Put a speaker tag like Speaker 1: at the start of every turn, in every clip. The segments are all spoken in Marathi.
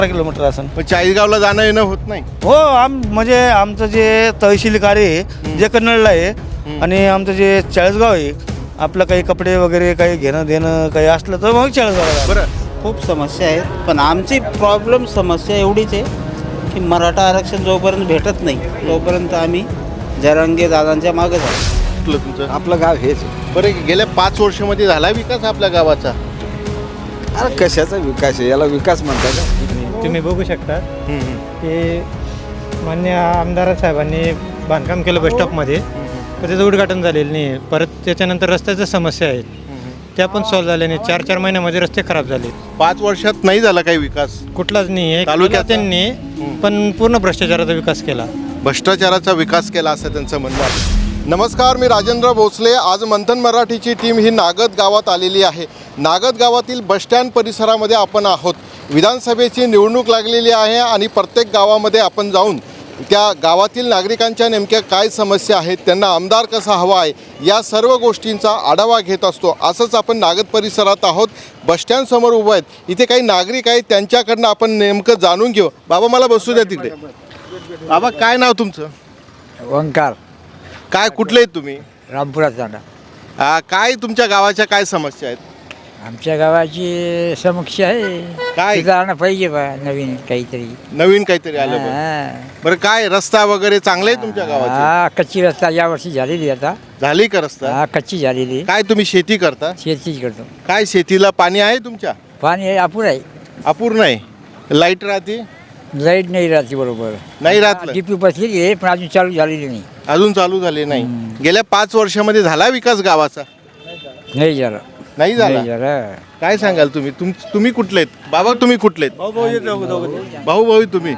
Speaker 1: किलोमीटर असेल.
Speaker 2: पण चाळीसगावला जाणं येणं होत नाही.
Speaker 1: हो म्हणजे आमचं जे तहसील कार्य आहे जे कन्नडला आहे आणि आमचं जे चाळीसगाव आहे आपलं काही कपडे वगैरे काही घेणं देणं काही असलं तर मग चाळीसगावला.
Speaker 2: बरं,
Speaker 3: खूप समस्या आहेत, पण आमची प्रॉब्लेम समस्या एवढीच आहे की मराठा आरक्षण जोपर्यंत भेटत नाही तोपर्यंत आम्ही जरांगे दादांच्या मागे जातो.
Speaker 2: कुठलं तुमचं?
Speaker 4: आपलं गाव हेच.
Speaker 2: बरं, गेल्या 5 वर्षामध्ये झाला विकास आपल्या गावाचा?
Speaker 4: अरे कशाचा विकास आहे, याला विकास म्हणतात का?
Speaker 5: तुम्ही बघू शकता की मान्य आमदार साहेबांनी बांधकाम केलं बस स्टॉपमध्ये, तर त्याचं उद्घाटन झालेलं नाही आहे. परत त्याच्यानंतर रस्त्याच्या समस्या आहेत त्या पण सॉल्व्ह झाल्या नाही. 4-4 महिन्यामध्ये रस्ते खराब झाले.
Speaker 2: 5 वर्षात नाही झाला काही विकास
Speaker 5: कुठलाच नाही आहे
Speaker 2: तालुक्याचा?
Speaker 5: त्यांनी पण पूर्ण भ्रष्टाचाराचा विकास केला.
Speaker 2: भ्रष्टाचाराचा विकास केला असं त्यांचं म्हणणं आहे. नमस्कार, मी राजेंद्र भोसले. आज मंथन मराठीची टीम ही नागद गावात आलेली आहे. नागद गावातील बसस्टँड परिसरामध्ये आपण आहोत. विधानसभेची निवडणूक लागलेली आहे आणि प्रत्येक गावामध्ये आपण जाऊन त्या गावातील नागरिकांच्या नेमक्या काय समस्या आहेत, त्यांना आमदार कसा हवा आहे, या सर्व गोष्टींचा आढावा घेत असतो. असंच आपण नागद परिसरात आहोत. बसस्टँडसमोर उभं आहेत. इथे काही नागरिक आहेत, त्यांच्याकडनं आपण नेमकं जाणून घेऊ. बाबा मला बसू द्या तिकडे. बाबा काय नाव तुमचं?
Speaker 4: ओंकार
Speaker 2: काय कुठले आहेत तुम्ही?
Speaker 4: रामपुरात जाणार.
Speaker 2: काय तुमच्या गावाच्या काय समस्या आहेत?
Speaker 4: आमच्या गावाची समस्या आहे
Speaker 2: काय?
Speaker 4: सुधारणा पाहिजे बा, नवीन काहीतरी.
Speaker 2: नवीन काहीतरी आलं बरं. बरं, काय रस्ता वगैरे चांगले आहे तुमच्या गावाचे?
Speaker 4: हा, कच्ची रस्ता यावर्षी झालेली आता.
Speaker 2: झाली का रस्ता?
Speaker 4: हा, कच्ची झालेली.
Speaker 2: काय तुम्ही शेती करता?
Speaker 4: शेतीच करतो.
Speaker 2: काय शेतीला पाणी आहे तुमच्या?
Speaker 4: पाणी आहे, अपुर आहे.
Speaker 2: अपूर्ण आहे. लाईट राहते?
Speaker 4: लाईट नाही राहते बरोबर.
Speaker 2: नाही राहत.
Speaker 4: डीपी बसलेली आहे पण अजून चालू झालेली नाही.
Speaker 2: अजून चालू झाले नाही. गेल्या 5 वर्षामध्ये झाला विकास गावाचा?
Speaker 4: नाही झालं.
Speaker 2: नाही झाला.
Speaker 4: नाही झालं.
Speaker 2: काय सांगाल तुम्ही? तुम्ही कुठले आहेत बाबा? तुम्ही कुठले आहेत? भाऊ भाऊ तुम्ही?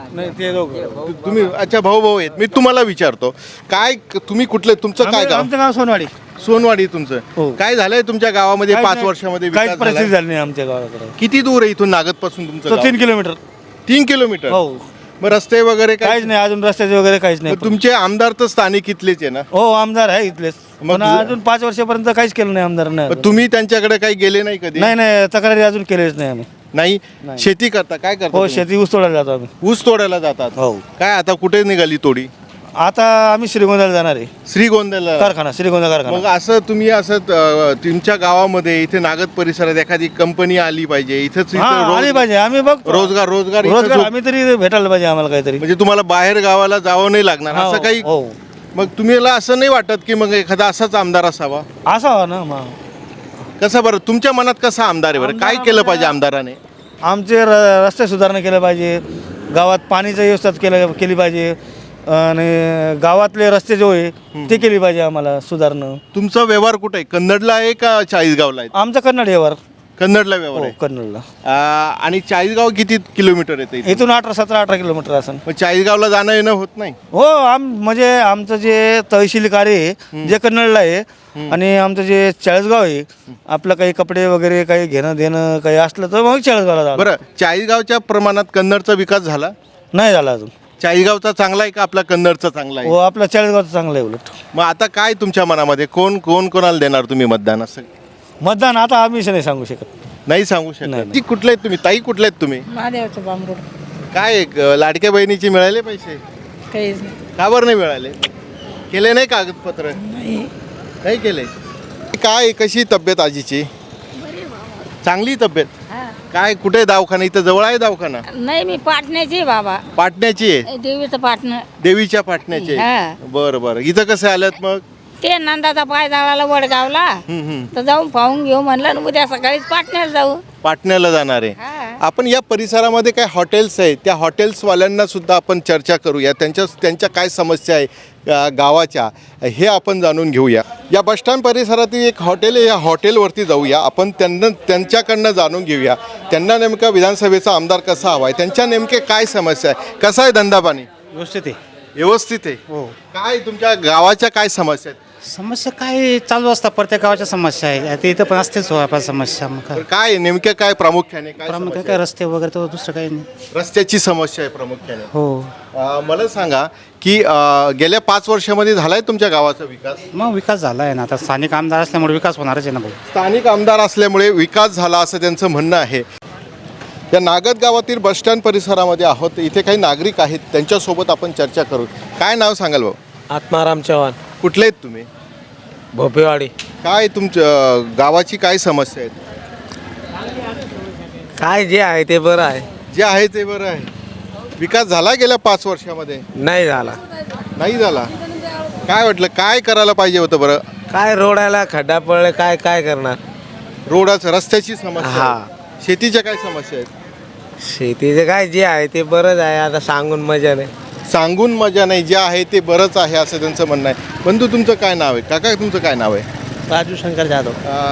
Speaker 2: तुम्ही अच्छा भाऊ भाऊ आहेत. मी तुम्हाला विचारतो काय तुम्ही कुठले, तुमचं काय गाव?
Speaker 1: आमचं गाव सोनवाडी.
Speaker 2: सोनवाडी तुमचं.
Speaker 1: हो.
Speaker 2: काय झालंय तुमच्या गावामध्ये 5 वर्षामध्ये
Speaker 1: काहीच
Speaker 2: विकास
Speaker 1: परिस्थिती
Speaker 2: झालाय?
Speaker 1: झाली नाही आमच्या गावाकडे.
Speaker 2: किती दूर आहे इथून नागद पासून तुमचं गाव?
Speaker 1: 3 किलोमीटर.
Speaker 2: 3 किलोमीटर.
Speaker 1: हो.
Speaker 2: मग रस्ते वगैरे काय?
Speaker 1: काहीच नाही अजून, रस्त्याचे वगैरे काहीच नाही.
Speaker 2: मग तुमचे आमदार तर स्थानिक इथलेच आहे ना?
Speaker 1: हो आमदार आहे इथलेच,
Speaker 2: मग
Speaker 1: पण अजून 5 वर्षापर्यंत काहीच केलं नाही आमदारनं.
Speaker 2: मग तुम्ही त्यांच्याकडे काही गेले नाही कधी?
Speaker 1: नाही तक्रारी अजून केलेच नाही आम्ही.
Speaker 2: नाही.
Speaker 1: नाही.
Speaker 2: शेती करता? काय करता
Speaker 1: हो
Speaker 2: तुम्ही?
Speaker 1: शेती ऊस तोडायला जातो आम्ही.
Speaker 2: ऊस तोडायला जातात?
Speaker 1: हो.
Speaker 2: काय आता कुठे निघाली तोडी?
Speaker 1: आता आम्ही श्रीगोंद्याला जाणार आहे.
Speaker 2: श्रीगोंद्याला
Speaker 1: कारखाना, श्रीगोंदा
Speaker 2: मग
Speaker 1: कारखाना.
Speaker 2: असं तुम्ही असं तुमच्या गावामध्ये इथे नागद परिसरात एखादी कंपनी आली पाहिजे इथंच
Speaker 1: हा आली पाहिजे. आम्ही बघ
Speaker 2: रोजगार रोजगार इथंच
Speaker 1: रोजगार
Speaker 2: होत-
Speaker 1: आम्ही तरी भेटायला पाहिजे आम्हाला काहीतरी.
Speaker 2: म्हणजे तुम्हाला बाहेर गावाला जावं नाही लागणार
Speaker 1: हो,
Speaker 2: असं काही?
Speaker 1: हो.
Speaker 2: मग तुम्हाला असं नाही वाटत की मग एखादा असाच आमदार असावा?
Speaker 1: असावा ना मग.
Speaker 2: कसं बरं तुमच्या मनात कसा आमदार आहे बरं? काय केलं पाहिजे आमदाराने?
Speaker 1: आमचे रस्ते सुधारणा केलं पाहिजे, गावात पाणीचं व्यवस्था केली पाहिजे आणि गावातले रस्ते जो आहे ते केली पाहिजे आम्हाला सुधारणं.
Speaker 2: तुमचा व्यवहार कुठे आहे? कन्नडला आहे का चाळीसगावला आहे?
Speaker 1: आमचं कन्नड यावर.
Speaker 2: कन्नडला व्यवहार
Speaker 1: हो
Speaker 2: आहे.
Speaker 1: कन्नडला.
Speaker 2: आणि चाळीसगाव किती किलोमीटर येते इथून?
Speaker 1: इथून 17-18 किलोमीटर असेल.
Speaker 2: मग चाळीसगावला जाणं येणं होत नाही?
Speaker 1: हो म्हणजे आमचं जे तहसील कार्य आहे जे कन्नडला आहे आणि आमचं जे चाळीसगाव आहे आपलं काही कपडे वगैरे काही घेणं देणं काही असलं तर मग चाळीसगावला जावं.
Speaker 2: बरं, चाळीसगावचा प्रमाणात कन्नडचा विकास झाला?
Speaker 1: नाही झाला अजून.
Speaker 2: चाळीसगावचा चांगला आहे का आपला कन्नडचा चांगला
Speaker 1: हो
Speaker 2: आहे?
Speaker 1: आपला चाळीसगावचं चांगलं आहे उलट.
Speaker 2: मग आता काय तुमच्या मनामध्ये कोणाला देणार तुम्ही मतदान? असं
Speaker 1: मतदान आता आम्ही नाही सांगू शकत.
Speaker 2: नाही सांगू शकत.
Speaker 1: नाही.
Speaker 2: ती कुठले आहेत तुम्ही? ताई कुठले आहेत तुम्ही?
Speaker 6: महादेवाचं बांबरूड.
Speaker 2: काय लाडक्या बहिणीचे मिळाले पैसे?
Speaker 6: काहीच नाही.
Speaker 2: का बरं नाही मिळाले? केले नाही कागदपत्र? नाही केले. काय कशी तब्येत आजीची? चांगली तब्येत. काय कुठे दवाखाना? इथं जवळ आहे दवाखाना?
Speaker 6: नाही मी पाटण्याची आहे बाबा.
Speaker 2: पाटण्याची आहे?
Speaker 6: देवीचं पाटणं.
Speaker 2: देवीच्या पाटण्याची आहे?
Speaker 6: हा.
Speaker 2: बरं बरं. इथं कसं आल्यात मग?
Speaker 6: ते नंदाचा पाय जाळाला वडगावला
Speaker 2: हम्म.
Speaker 6: तर जाऊन पाहून घेऊ म्हणलं आणि उद्या सकाळीच पाटण्याला जाऊ.
Speaker 2: पाटण्याला जाणार आहे.
Speaker 6: हा.
Speaker 2: आपण या परिसरामध्ये काय हॉटेल्स आहेत त्या हॉटेल्सवाल्यांना सुद्धा आपण चर्चा करूया. त्यांच्या काय समस्या आहे गावाच्या हे आपण जाणून घेऊया. या बसस्टँड परिसरातील एक हॉटेल आहे, या हॉटेलवरती जाऊया आपण. त्यांच्याकडनं जाणून घेऊया त्यांना नेमका विधानसभेचा आमदार कसा हवा आहे, त्यांच्या नेमके काय समस्या आहे, कसा आहे धंदा पाणी?
Speaker 5: व्यवस्थित आहे.
Speaker 2: व्यवस्थित आहे.
Speaker 5: हो.
Speaker 2: काय तुमच्या गावाच्या काय समस्या आहेत?
Speaker 5: समस्या काय चालू असतात, प्रत्येक गावाच्या समस्या आहे. आता इथं पण असतेच हो आपण समस्या. मग काय
Speaker 2: काय आहे? नेमक्या काय प्रामुख्याने काय
Speaker 5: प्रामुख्याने
Speaker 2: समस्या
Speaker 5: काय
Speaker 2: आहे?
Speaker 5: रस्ते वगैरे तर दुसरं काही नाही.
Speaker 2: रस्त्याची समस्या आहे प्रामुख्याने.
Speaker 5: हो.
Speaker 2: मला सांगा की गेल्या 5 वर्षामध्ये झालाय तुमच्या गावाचा विकास?
Speaker 5: मग विकास झाला आहे ना. आता स्थानिक आमदार असल्यामुळे विकास होणारच आहे ना भाऊ.
Speaker 2: स्थानिक आमदार असल्यामुळे विकास झाला असं त्यांचं म्हणणं आहे. या नागद गावातील बसस्टँड परिसरामध्ये आहोत. इथे काही नागरिक आहेत, त्यांच्यासोबत आपण चर्चा करू. काय नाव सांगाल भाऊ?
Speaker 7: आत्माराम चव्हाण,
Speaker 2: कुठले आहेत तुम्ही?
Speaker 7: भोपेवाडी.
Speaker 2: काय तुमच्या गावाची काय समस्या आहेत?
Speaker 7: काय जे आहे ते बरं आहे.
Speaker 2: जे आहे ते बरं आहे. विकास झाला गेल्या 5 वर्षामध्ये?
Speaker 7: नाही झाला.
Speaker 2: नाही झाला. काय वाटलं काय करायला पाहिजे होतं बरं?
Speaker 7: काय रोडाला खड्डा पडले, काय काय करणार.
Speaker 2: रोडाचं रस्त्याची समस्या
Speaker 7: हा.
Speaker 2: आहे. शेतीच्या काय समस्या आहेत?
Speaker 7: शेतीचं काय जे आहे ते बरंच आहे. आता सांगून मजा नाही.
Speaker 2: सांगून मजा नाही, जे आहे ते बरंच आहे असं त्यांचं म्हणणं आहे. बंधू तुमचं काय नाव आहे? काका तुमचं काय नाव आहे?
Speaker 5: राजू शंकर जाधव,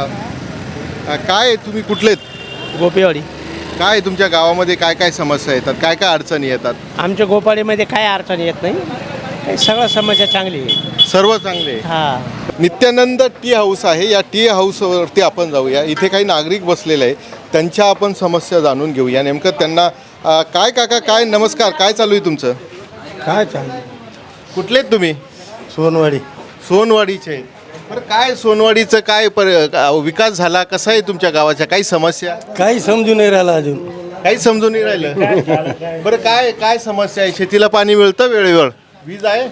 Speaker 2: काय तुम्ही कुठलेत?
Speaker 5: गोपेवाडी.
Speaker 2: काय तुमच्या गावामध्ये काय काय समस्या येतात, काय काय अडचणी येतात?
Speaker 5: आमच्या गोपाडीमध्ये काय अडचण येत नाही, काही सगळं समस्या चांगली आहे.
Speaker 2: सर्व चांगले.
Speaker 5: हा,
Speaker 2: नित्यानंद टी हाऊस आहे. या टी हाऊसवरती आपण जाऊया. इथे काही नागरिक बसलेले आहे, त्यांच्या आपण समस्या जाणून घेऊया. नेमकं त्यांना काय काका काय नमस्कार, काय चालू आहे तुमचं?
Speaker 5: काय चांगलं.
Speaker 2: कुठलेत तुम्ही?
Speaker 5: सोनवाडी.
Speaker 2: सोनवाडीचे. बरं काय सोनवाडीचं काय विकास झाला, कसा आहे तुमच्या गावाच्या? काही समस्या?
Speaker 5: काही समजून नाही राहिलं अजून.
Speaker 2: काही समजून नाही राहिलं. बरं काय काय समस्या आहे? शेतीला पाणी मिळतं वेळेवर? वीज आहे?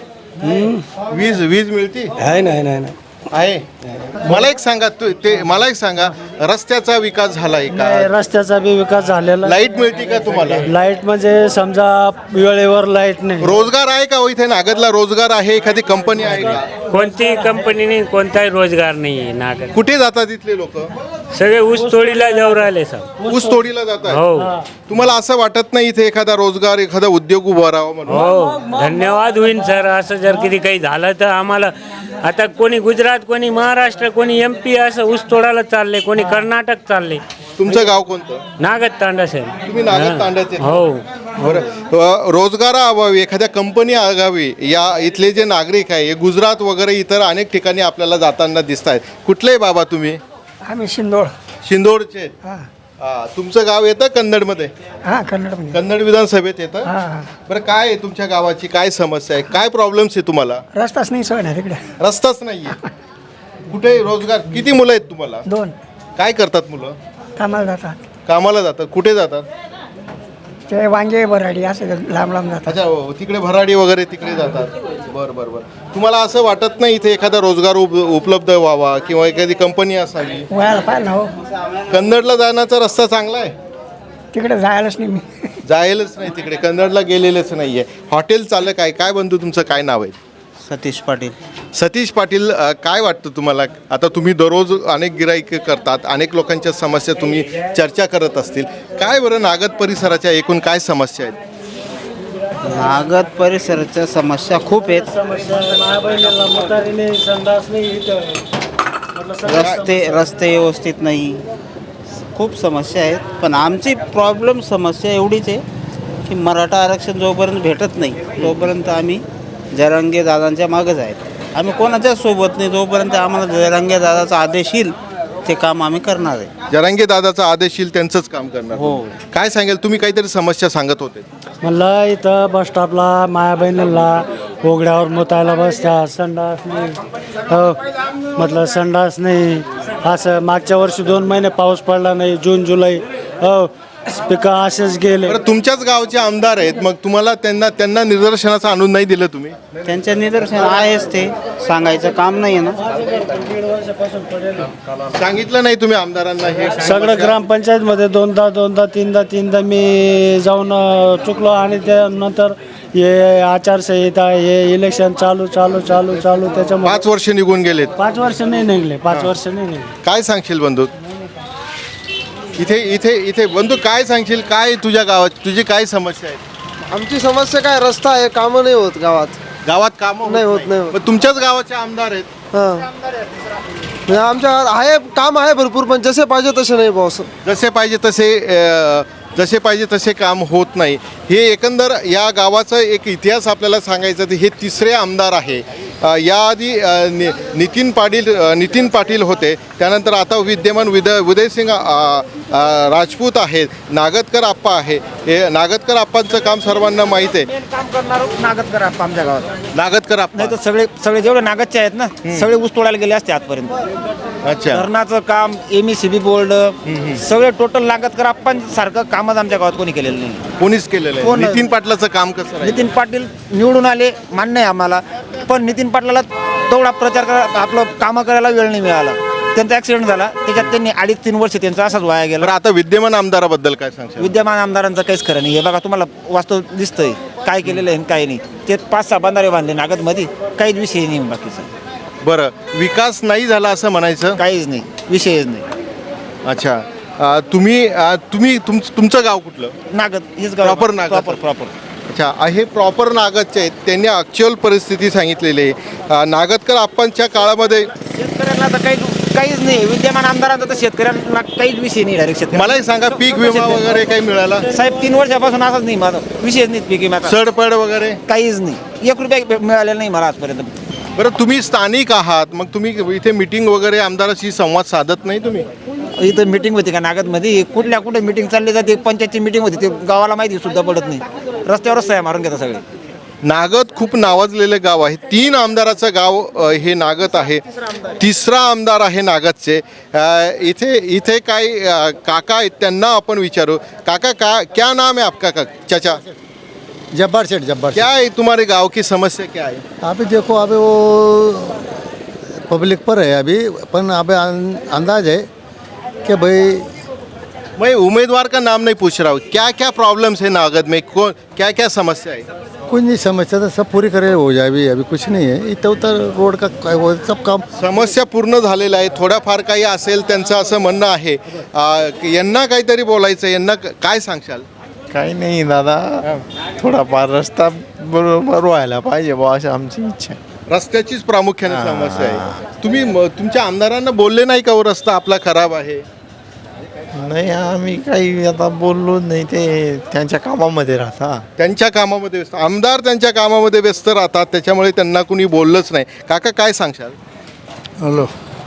Speaker 2: वीज मिळते
Speaker 5: आहे नाही
Speaker 2: आहे. मला एक सांगा रस्त्याचा विकास झालाय का?
Speaker 5: रस्त्याचा बी विकास झालेला.
Speaker 2: लाईट मिळते का तुम्हाला?
Speaker 5: लाईट म्हणजे समजा वेळेवर लाईट नाही.
Speaker 2: रोजगार आहे का? इथे नागदला रोजगार आहे? एखादी कंपनी आहे का?
Speaker 8: कोणतीही कंपनी नाही, कोणताही रोजगार नाही नागद.
Speaker 2: कुठे जातात इथले लोक?
Speaker 8: सगळे ऊस तोडीला जाऊ राहिले सब.
Speaker 2: ऊस तोडीला जातात.
Speaker 8: हो
Speaker 2: तुम्हाला असं वाटत नाही इथे एखादा रोजगार, एखादा उद्योग उभा राहावा म्हणून?
Speaker 8: हो, धन्यवाद होईन सर. असं जर कधी काही झालं तर आम्हाला आता कोणी गुजरात, कोणी महाराष्ट्र, कोणी MP असं ऊस तोडायला चालले, कोणी कर्नाटक चालले.
Speaker 2: तुमचं गाव कोणतं?
Speaker 8: नागद तांडा सर.
Speaker 2: तुम्ही नागद तांड्याचे?
Speaker 8: हो.
Speaker 2: बरं रोजगाराअभावी एखाद्या कंपनी आगावी या इथले जे नागरिक आहे, हे गुजरात वगैरे इतर अनेक ठिकाणी आपल्याला जाताना दिसत आहेत. कुठले बाबा तुम्ही?
Speaker 5: आम्ही शिंदोळ.
Speaker 2: शिंदोडचे. तुमचं गाव येतं कन्नडमध्ये?
Speaker 5: हा, कन्नडमध्ये.
Speaker 2: कन्नड विधानसभेत येतं. बरं काय आहे तुमच्या गावाची काय समस्या आहे, काय प्रॉब्लेम्स आहे तुम्हाला?
Speaker 5: रस्ताच नाही सोय ना तिकडे.
Speaker 2: रस्ताच नाहीये. कुठे रोजगार? किती मुलं आहेत तुम्हाला?
Speaker 5: 2
Speaker 2: काय करतात मुलं?
Speaker 5: कामाला जातात.
Speaker 2: कामाला जातात. कुठे जातात?
Speaker 5: ते वांगे बराडी असं लांब जातात.
Speaker 2: अच्छा तिकडे भराडी वगैरे तिकडे जातात. बरं बरं बरं. तुम्हाला असं वाटत नाही इथे एखादा रोजगार उपलब्ध व्हावा किंवा एखादी कंपनी असावी?
Speaker 5: वयाला पाहिजे ना हो.
Speaker 2: कन्नडला जाण्याचा रस्ता चांगला आहे?
Speaker 5: तिकडे जायलाच नाही मी.
Speaker 2: जायलाच नाही तिकडे, कन्नडला गेलेलेच नाही आहे. हॉटेल चालक आहे. काय बंधू तुमचं काय नाव आहे?
Speaker 3: सतीश पाटील.
Speaker 2: सतीश पाटील, काय वाटतं तुम्हाला? आता तुम्ही दररोज अनेक गिराईक करतात, अनेक लोकांच्या समस्या तुम्ही चर्चा करत असतील. काय बरं नागद परिसराच्या एकूण काय समस्या आहेत?
Speaker 3: नागद परिसराच्या समस्या खूप आहेत. रस्ते व्यवस्थित नाही, खूप समस्या आहेत. पण आमची समस्या एवढीच आहे की मराठा आरक्षण जोपर्यंत भेटत नाही तोपर्यंत आम्ही जरांगे दादांच्या मागच आहेत. आम्ही कोणाच्याच सोबत नाही. जोपर्यंत आम्हाला जरांगे दादाचा आदेश येईल ते काम आम्ही करणार आहे.
Speaker 2: जरांगे दादाचा आदेश येईल त्यांचंच काम करणार.
Speaker 3: हो.
Speaker 2: काय सांगेल तुम्ही? काहीतरी समस्या सांगत होते.
Speaker 5: म्हणलं इथं बस स्टॉपला माया बहिणीला उघड्यावर मुतायला बसत्या, संडास नाही. हो म्हटलं संडास नाही. असं मागच्या वर्षी 2 महिने पाऊस पडला नाही, जून जुलै. हो पिकं असेच गेले.
Speaker 2: बरं तुमच्याच गावचे आमदार आहेत, मग तुम्हाला त्यांना निदर्शनाचं आणून नाही दिलं तुम्ही?
Speaker 3: त्यांच्या निदर्शन आहेच, ते सांगायचं काम नाही आहे ना.
Speaker 2: सांगितलं नाही तुम्ही आमदारांना? हे
Speaker 5: सगळं ग्रामपंचायतमध्ये 2दा 3दा मी जाऊन चुकलो. आणि त्यानंतर हे आचारसंहिता, हे इलेक्शन चालू त्याच्यामुळे
Speaker 2: 5 वर्ष निघून गेलेत.
Speaker 5: 5 वर्ष नाही निघले. 5 वर्ष नाही निघले.
Speaker 2: काय सांगशील बंधू? इथे बंधू काय सांगशील? काय तुझ्या गावात तुझी काय समस्या आहे?
Speaker 9: आमची समस्या काय, रस्ता आहे, कामं नाही होत गावात
Speaker 2: काम
Speaker 9: नाही होत.
Speaker 2: मग तुमच्याच गावाचे आमदार आहेत?
Speaker 9: हां, आमच्या आहे काम आहे भरपूर, पण जसे पाहिजे तसे नाही बॉस.
Speaker 2: जसे पाहिजे तसे काम होत नाही. हे एकंदर या गावाचा एक इतिहास आपल्याला सांगायचा तर हे 3रे आमदार आहे. याआधी नितीन पाटील होते, त्यानंतर आता विद्यमान उदयसिंग राजपूत आहेत, नागदकर आप्पा आहे. हे नागदकर आप्पांचं काम सर्वांना माहीत आहे.
Speaker 3: काम करणार नागदकर आप्पा आमच्या गावात.
Speaker 2: नागदकर आप्पा,
Speaker 3: नाही तर सगळे जेवढे नागदचे आहेत ना सगळे ऊस तोडायला गेले असते आजपर्यंत.
Speaker 2: अच्छा.
Speaker 3: धरणाचं काम, MECB बोर्ड, सगळे टोटल नागदकर आप्पांसारखं कामच आमच्या गावात कोणी केलेलं नाही.
Speaker 2: कोणीच केलेलं आहे.
Speaker 3: कोण?
Speaker 2: नितीन पाटलाचं काम कसं राहील?
Speaker 3: नितीन पाटील निवडून आले, मान्य आहे आम्हाला, पण नितीन पाटलाला तेवढा प्रचार करा, आपलं कामं करायला वेळ नाही मिळाला. त्यांचा ॲक्सिडेंट झाला, त्याच्यात त्यांनी 2.5-3 वर्ष त्यांचा असाच वाया गेला.
Speaker 2: बरं, आता विद्यमान आमदाराबद्दल काय सांगशाल?
Speaker 3: विद्यमान आमदारांचं काहीच खरं नाही. हे बघा तुम्हाला वास्तव दिसतंय काय केलेलं आहे आणि काय नाही. ते 5-6 बंधारे बांधले नागदमध्ये, काहीच विषय नाही बाकीचा.
Speaker 2: बरं, विकास नाही झाला असं म्हणायचं?
Speaker 3: काहीच नाही, विषयच नाही.
Speaker 2: अच्छा. तुमचं गाव कुठलं?
Speaker 3: नागद हेच गाव.
Speaker 2: Proper नागद.
Speaker 3: प्रॉपर.
Speaker 2: अच्छा, हे प्रॉपर नागदचे आहेत. त्यांनी ॲक्च्युअल परिस्थिती सांगितलेली आहे. नागदकर आप्पांच्या काळामध्ये
Speaker 3: शेतकऱ्यांना तर काहीच नाही. विद्यमान आमदारांचा तर शेतकऱ्यांना काहीच विषय नाही. डायरेक्ट शेतकरी
Speaker 2: मलाही सांगा, पीक विमा वगैरे काही मिळाला?
Speaker 3: साहेब 3 वर्षापासून असंच नाही, माझा विषयच नाही पीक विम्याचा.
Speaker 2: सडपड वगैरे
Speaker 3: काहीच नाही. 1 रुपया मिळालेला नाही मला आजपर्यंत.
Speaker 2: बरं, तुम्ही स्थानिक आहात, मग तुम्ही इथे मिटिंग वगैरे आमदाराशी संवाद साधत नाही तुम्ही?
Speaker 3: इथं मिटिंग होती का नागदमध्ये? कुठे मिटिंग चालली जाते, पंचायतची मिटिंग होती, ते गावाला माहिती सुद्धा पडत नाही. रस्त्यावरच सह्या मारून घेतात सगळे.
Speaker 2: नागद खूप नावाजलेलं गाव आहे. 3 आमदाराचं गाव हे नागद आहे. तिसरा आमदार आहे नागदचे. इथे काही काका आहेत, त्यांना आपण विचारू. काका, क्या नाम है आपका? चाचा,
Speaker 9: जब्बार सेठ, जब्बार
Speaker 2: क्या है तुम्हारे गांव की समस्या, क्या है?
Speaker 9: अभी देखो, अभी वो पब्लिक पर है अभी, पण अभी अंदाज है कि भाई
Speaker 2: मैं उम्मीदवार का नाम नहीं पूछ रहा हूँ, क्या क्या प्रॉब्लम्स है नागद में, कौन क्या क्या समस्या है?
Speaker 9: कुछ नहीं, समस्या तो सब पूरी करे हो जाए. अभी कुछ नहीं है. इथं उतर रोड का वो सब काम
Speaker 2: समस्या पूर्ण झालेला आहे. थोडाफार काही असेल त्यांचं असं म्हणणं आहे. यांना काहीतरी बोलायचं, यांना काय सांगशाल?
Speaker 7: काही नाही दादा, थोडाफार रस्ता बरोबर व्हायला पाहिजे बुवा, अशी आमची इच्छा आहे.
Speaker 2: रस्त्याचीच प्रामुख्याने समस्या आहे. तुम्ही तुमच्या आमदारांना बोलले नाही का, रस्ता आपला खराब आहे?
Speaker 7: नाही, आम्ही काही आता बोललो नाही. ते त्यांच्या कामामध्ये राहता.
Speaker 2: त्यांच्या कामामध्ये व्यस्त, आमदार त्यांच्या कामामध्ये व्यस्त राहतात, त्याच्यामुळे त्यांना कुणी बोललंच नाही. काका, काय सांगशाल?
Speaker 10: हॅलो,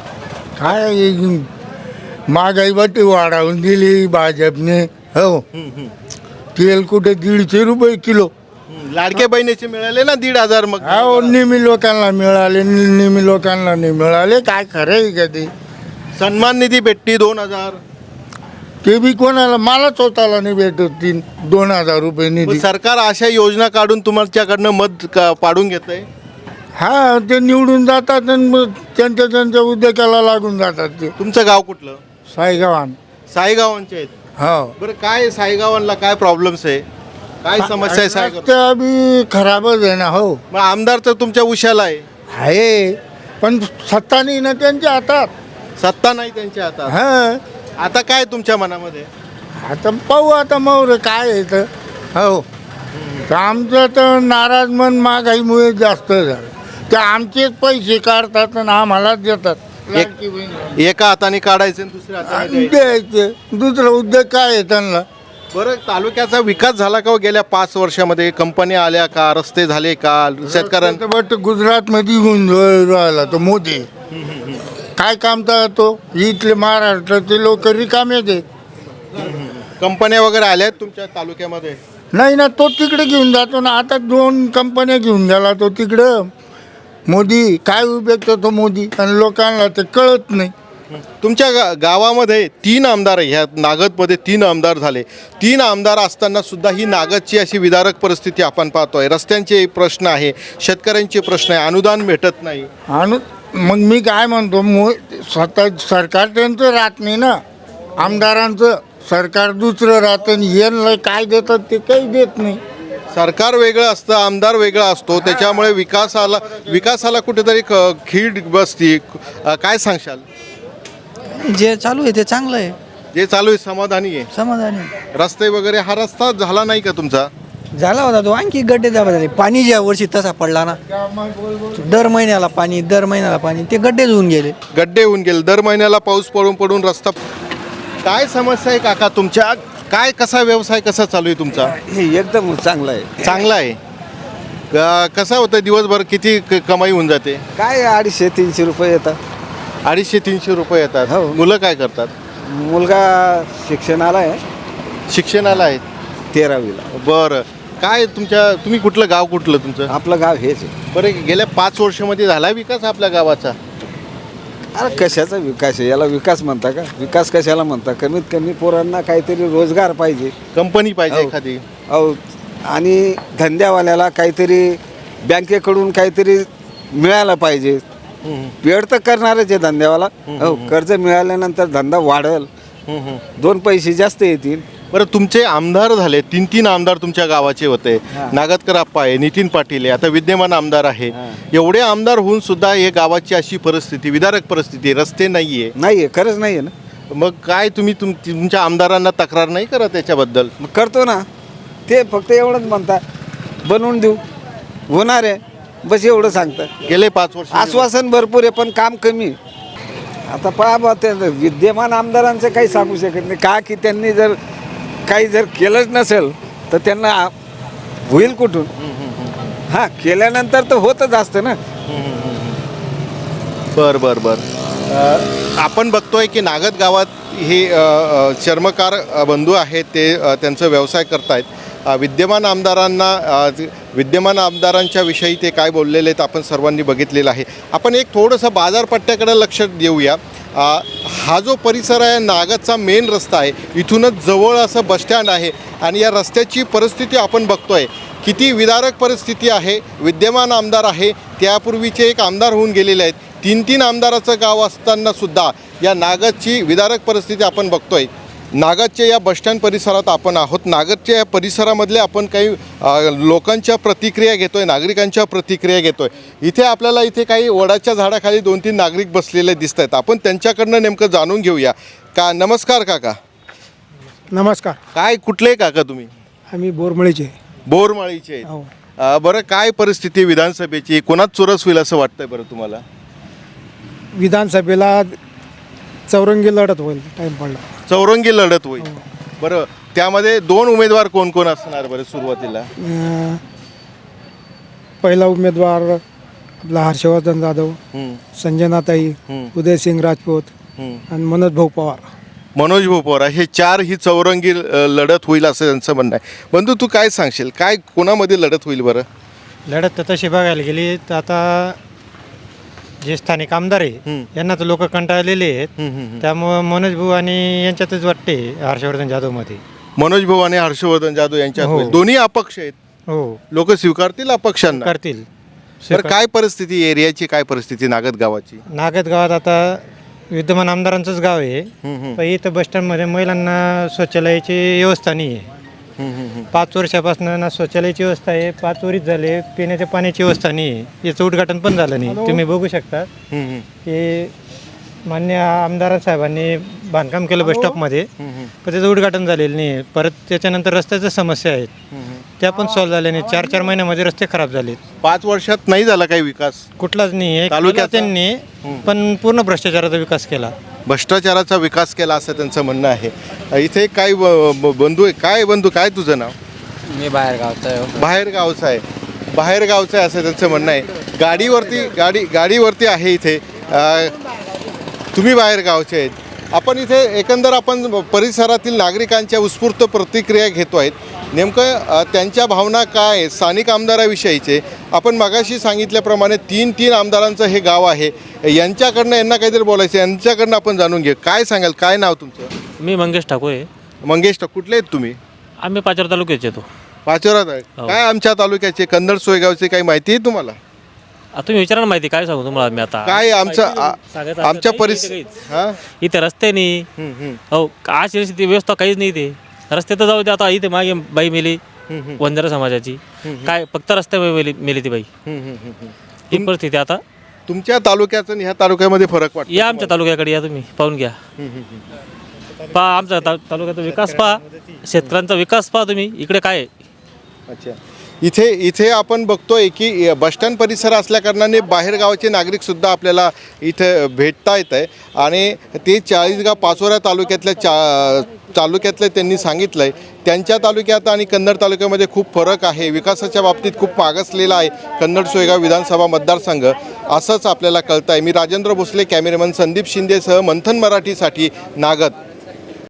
Speaker 10: काय महागाई वाटी वाढवून दिली भाजपने. हो, तेल कुठे 150 रुपये किलो.
Speaker 2: लाडके बहिणीचे मिळाले ना 1,500. मग
Speaker 10: हो, निमी लोकांना मिळाले, निमी लोकांना नाही मिळाले. काय खरं आहे का ते?
Speaker 2: सन्मान निधी भेटती 2,000.
Speaker 10: ते बी कोणाला, मला स्वतःला नाही भेटत 2,000 रुपये निधी.
Speaker 2: सरकार अशा योजना काढून तुमच्याकडनं मत पाडून घेतंय.
Speaker 10: हा, ते निवडून जातात आणि मग त्यांच्या उद्योगाला लागून जातात. ते
Speaker 2: तुमचं गाव कुठलं?
Speaker 10: साईगावान.
Speaker 2: साईगावांचे आहेत.
Speaker 10: हो,
Speaker 2: बरं, काय साईगावांना काय प्रॉब्लेम्स आहे, काय समस्या आहे साईगाव?
Speaker 10: रस्ते बी खराबच आहे ना. हो,
Speaker 2: मग आमदार तर तुमच्या उशाला
Speaker 10: आहे, पण सत्ता नाही ना त्यांच्या हातात.
Speaker 2: सत्ता नाही त्यांच्या हातात.
Speaker 10: हा,
Speaker 2: आता काय तुमच्या मनामध्ये?
Speaker 10: आता पाहू, आता मग काय आहे तर. हो, तर आमचं तर नाराज मन महागाईमुळे जास्त झालं. ते आमचेच पैसे काढतात आणि आम्हालाच देतात. लाडकी बहीण.
Speaker 2: एका हाताने काढायचे आणि दुसऱ्या हाताने द्यायचे.
Speaker 10: द्यायचे. दुसरा उद्योग काय आहे त्यांना?
Speaker 2: बरं, तालुक्याचा विकास झाला का हो गेल्या 5 वर्षामध्ये? कंपन्या आल्या का, रस्ते झाले का, शेतकऱ्यांना?
Speaker 10: बट गुजरातमध्ये घेऊन राहिला तो मोदी. काय काम तर तो इथले महाराष्ट्राचे लोक रिकामे आहेत.
Speaker 2: कंपन्या वगैरे आल्या आहेत तुमच्या तालुक्यामध्ये?
Speaker 10: नाही ना, तो तिकडे घेऊन जातो ना. आता 2 कंपन्या घेऊन गेला तो तिकडं. मोदी काय उपयोग तो मोदी, आणि लोकांना ते कळत नाही.
Speaker 2: तुमच्या गावामध्ये 3 आमदार आहे. ह्या नागदमध्ये 3 आमदार झाले. 3 आमदार असताना सुद्धा ही नागदची अशी विदारक परिस्थिती आपण पाहतोय. रस्त्यांचे प्रश्न आहे, शेतकऱ्यांचे प्रश्न आहे, अनुदान भेटत नाही.
Speaker 10: आणि मग मी काय म्हणतो, स्वतः सरकार त्यांचं राहत नाही ना. आमदारांचं सरकार दुसरं राहतं, यांना काय देतात ते काही देत नाही.
Speaker 2: सरकार वेगळं असतं, आमदार वेगळा असतो, त्याच्यामुळे विकासाला कुठेतरी खीड बसती. काय सांगशाल?
Speaker 3: जे चालू आहे ते चांगलं आहे.
Speaker 2: जे चालू आहे समाधानी आहे?
Speaker 3: समाधानी
Speaker 2: रस्ते वगैरे, हा रस्ता झाला नाही का तुमचा?
Speaker 3: झाला होता तो. आणखी गड्डे झाले. पाणी ज्या वर्षी तसा पडला ना, दर महिन्याला पाणी, ते गड्डे होऊन गेले.
Speaker 2: गड्डे होऊन गेले. दर महिन्याला पाऊस पडून रस्ता. काय समस्या आहे काका तुमच्या? काय, कसा व्यवसाय कसा चालू आहे तुमचा?
Speaker 4: हे एकदम चांगलं आहे.
Speaker 2: चांगला आहे. कसं होतं दिवसभर किती कमाई होऊन जाते?
Speaker 4: काय 250-300 रुपये येतात.
Speaker 2: 250-300 रुपये येतात.
Speaker 4: हो.
Speaker 2: मुलं काय करतात?
Speaker 4: मुलगा शिक्षणाला आहे
Speaker 2: शिक्षणाला आहेत.
Speaker 4: 13वीला.
Speaker 2: बरं, काय तुम्ही कुठलं गाव, कुठलं तुमचं?
Speaker 4: आपलं गाव हेच आहे.
Speaker 2: बरं, गेल्या 5 वर्षामध्ये झाला विकास आपल्या गावाचा?
Speaker 4: अरे कशाचा विकास आहे, याला विकास म्हणता का? विकास कशाला म्हणता? कमीत कमी पोरांना काहीतरी रोजगार पाहिजे.
Speaker 2: कंपनी पाहिजे
Speaker 4: हो.
Speaker 2: एखादी.
Speaker 4: अहो, आणि धंद्यावाल्याला काहीतरी बँकेकडून काहीतरी मिळालं पाहिजे. वेळ तर करणारच आहे धंद्यावाला. हो, कर्ज मिळाल्यानंतर धंदा वाढेल, 2 पैसे जास्त येतील.
Speaker 2: बरं, तुमचे आमदार झाले, 3 आमदार तुमच्या गावाचे होते. नागदकर आप्पा आहे, नितीन पाटील आहे, आता विद्यमान आमदार आहे. एवढे आमदार होऊन सुद्धा हे गावाची अशी परिस्थिती, विदारक परिस्थिती, रस्ते नाहीये.
Speaker 4: नाही आहे, खरंच नाही आहे ना.
Speaker 2: मग काय तुम्ही तुमच्या आमदारांना तक्रार नाही करत त्याच्याबद्दल?
Speaker 4: मग करतो ना. ते फक्त एवढंच म्हणतात बनवून देऊ, होणार आहे, बस एवढं सांगतात.
Speaker 2: गेले 5 वर्ष
Speaker 4: आश्वासन भरपूर आहे पण काम कमी. आता पहा बा, ते विद्यमान आमदारांचं काही सांगू शकत नाही का, की त्यांनी जर काही जर केलंच नसेल तर त्यांना होईल कुठून? हां, केल्यानंतर तर होतच असतं ना.
Speaker 2: बर. आपण बघतोय की नागद गावात हे चर्मकार बंधू आहेत, ते त्यांचा व्यवसाय करतायत. विद्यमान आमदारांच्या विषयी ते काय बोललेले आहेत आपण सर्वांनी बघितलेलं आहे. आपण एक थोडंसं बाजारपट्ट्याकडे लक्ष देऊया. हा जो परिसर आहे, नागदचा मेन रस्ता आहे, इथूनच जवळ असं बसस्टँड आहे आणि या रस्त्याची परिस्थिती आपण बघतोय किती विदारक परिस्थिती आहे. विद्यमान आमदार आहे, त्यापूर्वीचे एक आमदार होऊन गेलेले आहेत. 3 आमदाराचं गाव असताना सुद्धा या नागदची विदारक परिस्थिती आपण बघतोय. नागदच्या या बसस्टँड परिसरात आपण आहोत. नागदच्या या परिसरामधले आपण काही लोकांच्या प्रतिक्रिया घेतोय, नागरिकांच्या प्रतिक्रिया घेतोय. इथे आपल्याला इथे काही वडाच्या झाडाखाली 2-3 नागरिक बसलेले दिसत आहेत. आपण त्यांच्याकडनं नेमकं जाणून घेऊया. नमस्कार काका.
Speaker 5: नमस्कार.
Speaker 2: काय, कुठले काका तुम्ही?
Speaker 5: आम्ही बोरमळीचे.
Speaker 2: बोरमाळीचे आहेत. बरं, काय परिस्थिती विधानसभेची, कोणाच चुरस होईल असं वाटतंय बरं तुम्हाला?
Speaker 5: विधानसभेला चौरंगी लढत होईल, टाईम पडला.
Speaker 2: चौरंगी लढत होईल. बरं, त्यामध्ये 2 उमेदवार कोण कोण असणार बरं सुरुवातीला?
Speaker 5: पहिला उमेदवार आपला हर्षवर्धन जाधव, संजनाताई, उदयसिंग राजपूत आणि मनोज भाऊ पवार.
Speaker 2: मनोज भाऊ पवार, हे 4 ही चौरंगी लढत होईल असं त्यांचं म्हणणं आहे. बंधू, तू काय सांगशील, काय कोणामध्ये लढत होईल बरं?
Speaker 5: लढत तर तशी बघायला गेली तर आता जे स्थानिक आमदार आहे यांना तर लोक कंटाळलेले आहेत. त्यामुळं मनोज भाऊ आणि यांच्यातच वाटते हर्षवर्धन जाधवमध्ये.
Speaker 2: मनोज भाऊ आणि हर्षवर्धन जाधव यांच्यात
Speaker 5: हो.
Speaker 2: होईल. दोन्ही अपक्ष आहेत.
Speaker 5: हो,
Speaker 2: लोक स्वीकारतील अपक्षांना?
Speaker 5: करतील.
Speaker 2: बरं, काय परिस्थिती एरियाची, काय परिस्थिती नागद गावाची?
Speaker 5: नागद गावात आता विद्यमान आमदारांचंच गाव आहे, पण इथं बसस्टँडमध्ये महिलांना शौचालयाची व्यवस्था नाही आहे. 5 वर्षापासून ना शौचालयाची व्यवस्था आहे, 5 वरीच झाले, पिण्याच्या पाण्याची व्यवस्था नाही आहे. याचं उद्घाटन पण झालं नाही. तुम्ही बघू शकता की मान्य आमदार साहेबांनी बांधकाम केलं बसस्टॉपमध्ये, पण त्याचं उद्घाटन झालेलं नाही आहे. परत त्याच्यानंतर रस्त्याच्या समस्या आहेत, त्या पण सॉल्व्ह झाल्या नाही. 4-4 महिन्यामध्ये रस्ते खराब झालेत.
Speaker 2: 5 वर्षात नाही झाला काही विकास
Speaker 5: कुठलाच नाही आहे
Speaker 2: तालुक्याचा?
Speaker 5: त्यांनी पण पूर्ण भ्रष्टाचाराचा विकास केला.
Speaker 2: भ्रष्टाचाराचा विकास केला असं त्यांचं म्हणणं आहे. इथे काय बंधू आहे? काय बंधू, काय तुझं नाव?
Speaker 3: मी बाहेर गावचा आहे.
Speaker 2: बाहेर गावचं आहे असं त्यांचं म्हणणं आहे. गाडीवरती आहे इथे. तुम्ही बाहेर गावचे आहेत. आपण इथे एकंदर आपण परिसरातील नागरिकांच्या उत्स्फूर्त प्रतिक्रिया घेतो आहेत. नेमकं त्यांच्या भावना काय आहेत स्थानिक आमदाराविषयीचे. आपण मगाशी सांगितल्याप्रमाणे 3 आमदारांचं हे गाव आहे. यांच्याकडनं यांना काहीतरी बोलायचं, यांच्याकडनं आपण जाणून घेऊ. काय सांगाल, काय नाव तुमचं?
Speaker 11: मी मंगेश ठाकूर आहे.
Speaker 2: मंगेश ठाकूर, कुठले आहेत तुम्ही?
Speaker 11: आम्ही पाचोरा तालुक्याचे येतो.
Speaker 2: पाचोरात आहे. काय आमच्या तालुक्याचे कन्नड सोयगावचे काही माहिती आहे तुम्हाला?
Speaker 11: तुम्ही विचारा ना, माहिती काय सांगू तुम्हाला मी आता.
Speaker 2: काय आमच्या
Speaker 11: परिसर इथे रस्ते नाही. हो, आज व्यवस्था काहीच नाही. ते रस्ते तर जाऊ दे. आता इथे मागे बाई मेली वंजारा समाजाची, काय फक्त रस्ते मेली ती बाई. ही परिस्थिती आता
Speaker 2: तुमच्या तालुक्याचं आणि ह्या तालुक्यामध्ये फरक वाटतो?
Speaker 11: या आमच्या तालुक्याकडे या, तुम्ही पाहून घ्या. पहा आमचा तालुक्याचा विकास पहा, शेतकऱ्यांचा विकास पहा तुम्ही. इकडे काय आहे?
Speaker 2: अच्छा, इथे आपण बघतोय की बसस्टँड परिसर असल्याकारणाने बाहेरगावाचे नागरिकसुद्धा आपल्याला इथे भेटता येत आहे आणि ते चाळीसगाव पाचोरा तालुक्यातले त्यांनी सांगितलं आहे त्यांच्या तालुक्यात आणि कन्नड तालुक्यामध्ये खूप फरक आहे. विकासाच्या बाबतीत खूप मागासलेला आहे कन्नड सोयगाव विधानसभा मतदारसंघ असंच आपल्याला कळतं आहे. मी राजेंद्र भोसले, कॅमेरामन संदीप शिंदेसह मंथन मराठीसाठी नागद.